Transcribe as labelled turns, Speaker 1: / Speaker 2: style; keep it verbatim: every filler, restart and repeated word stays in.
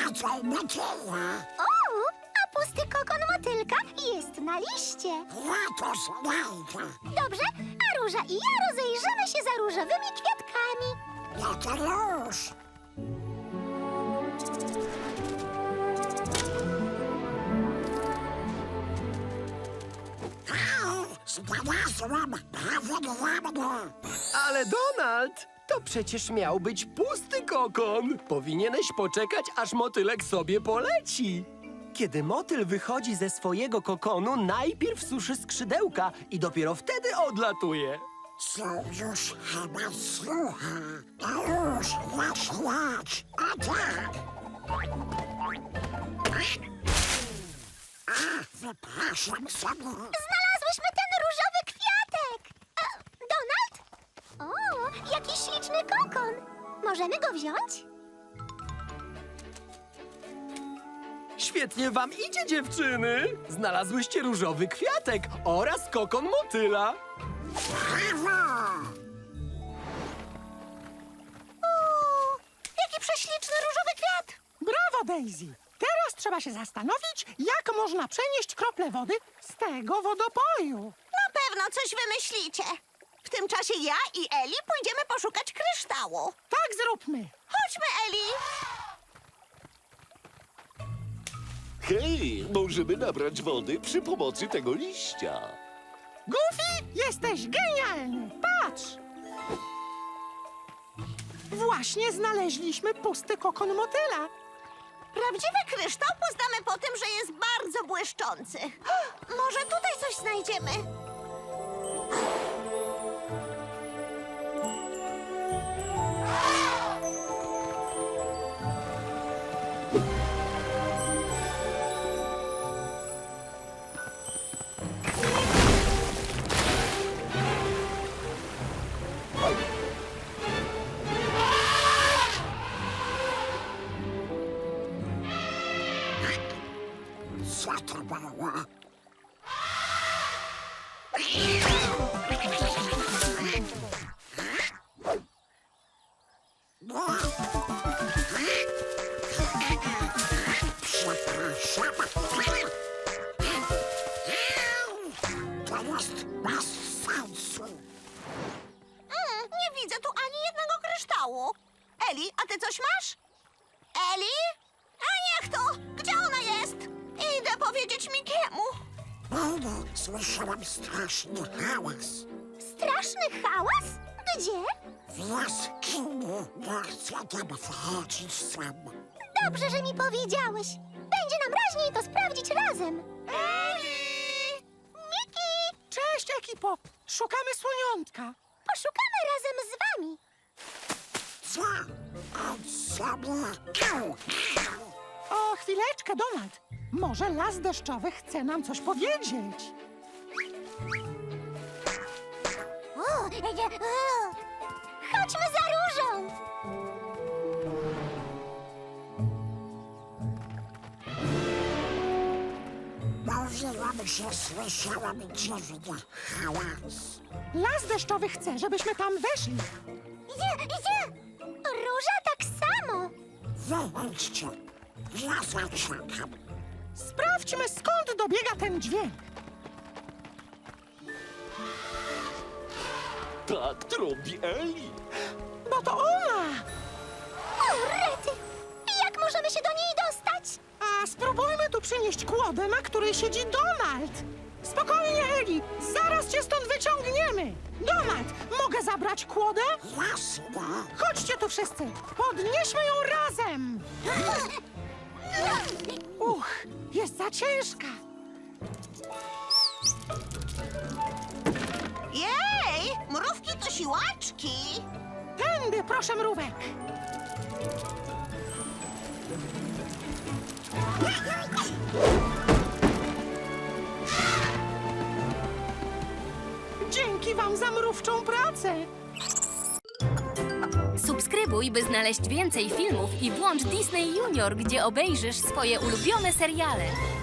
Speaker 1: Raczej motyla.
Speaker 2: O, a pusty kokon motylka jest na liście.
Speaker 1: Ja to znajdę.
Speaker 2: Dobrze, a Róża i ja rozejrzymy się za różowymi kwiatkami.
Speaker 1: Ja to już. Au, znalazłam prawie dla mnie.
Speaker 3: Ale Donald, to przecież miał być pusty kokon. Powinieneś poczekać, aż motylek sobie poleci. Kiedy motyl wychodzi ze swojego kokonu, najpierw suszy skrzydełka i dopiero wtedy odlatuje.
Speaker 1: Co już chyba słucha. A już, lecz, lecz. A tak. A, wypraszam sobie.
Speaker 2: Znalazłyśmy ten różowy kwiatek. E, Donald? O, jaki śliczny kokon. Możemy go wziąć?
Speaker 3: Świetnie wam idzie, dziewczyny. Znalazłyście różowy kwiatek oraz kokon motyla.
Speaker 1: Brawo!
Speaker 2: O, jaki prześliczny różowy kwiat.
Speaker 4: Brawo, Daisy! Teraz trzeba się zastanowić, jak można przenieść krople wody z tego wodopoju.
Speaker 5: Na pewno coś wymyślicie. W tym czasie ja i Eli pójdziemy poszukać kryształu.
Speaker 4: Tak zróbmy.
Speaker 5: Chodźmy, Eli.
Speaker 6: Hej, możemy nabrać wody przy pomocy tego liścia.
Speaker 4: Goofy, jesteś genialny! Patrz! Właśnie znaleźliśmy pusty kokon motyla.
Speaker 5: Prawdziwy kryształ poznamy po tym, że jest bardzo błyszczący. Może tutaj coś znajdziemy?
Speaker 1: Co to było? Przepraszam. To jest bez sensu.
Speaker 5: Mm, nie widzę tu ani jednego kryształu. Eli, a ty coś masz? Eli? A niech to! Gdzie ona jest? Idę powiedzieć Mikiemu.
Speaker 1: Nigdy słyszałam straszny hałas.
Speaker 2: Straszny hałas? Gdzie?
Speaker 1: W jaskini nie chcę tam wchodzić sam.
Speaker 2: Dobrze, że mi powiedziałeś. Będzie nam raźniej to sprawdzić razem.
Speaker 4: Eli!
Speaker 2: Miki,
Speaker 4: Cześć, ekipo! Szukamy słoniątka.
Speaker 2: poszukamy razem z wami.
Speaker 1: Co? On sobie... Au, au.
Speaker 4: O, chwileczkę, Donald. Może las deszczowy chce nam coś powiedzieć.
Speaker 2: O, e, e, o. Chodźmy za Różą.
Speaker 1: Mówiłam, że słyszałam dziwny hałas.
Speaker 4: Las deszczowy chce, żebyśmy tam weszli.
Speaker 2: Idzie, idzie. Róża tak samo.
Speaker 1: Wyjdźcie. Ja zaczekam.
Speaker 4: Sprawdźmy, skąd dobiega ten dźwięk.
Speaker 6: Tak trąbi Eli.
Speaker 4: Bo to ona!
Speaker 2: O, rety. Jak możemy się do niej dostać?
Speaker 4: A spróbujmy tu przynieść kłodę, na której siedzi Donald. Spokojnie, Eli. Zaraz cię stąd wyciągniemy. Donald, mogę zabrać kłodę?
Speaker 1: Jasne.
Speaker 4: Chodźcie tu wszyscy. Podnieśmy ją razem. Uch, jest za ciężka.
Speaker 5: Jej! Mrówki to siłaczki.
Speaker 4: Tędy, proszę, mrówek. Dzięki wam za mrówczą pracę.
Speaker 7: Subskrybuj, by znaleźć więcej filmów i włącz Disney Junior, gdzie obejrzysz swoje ulubione seriale.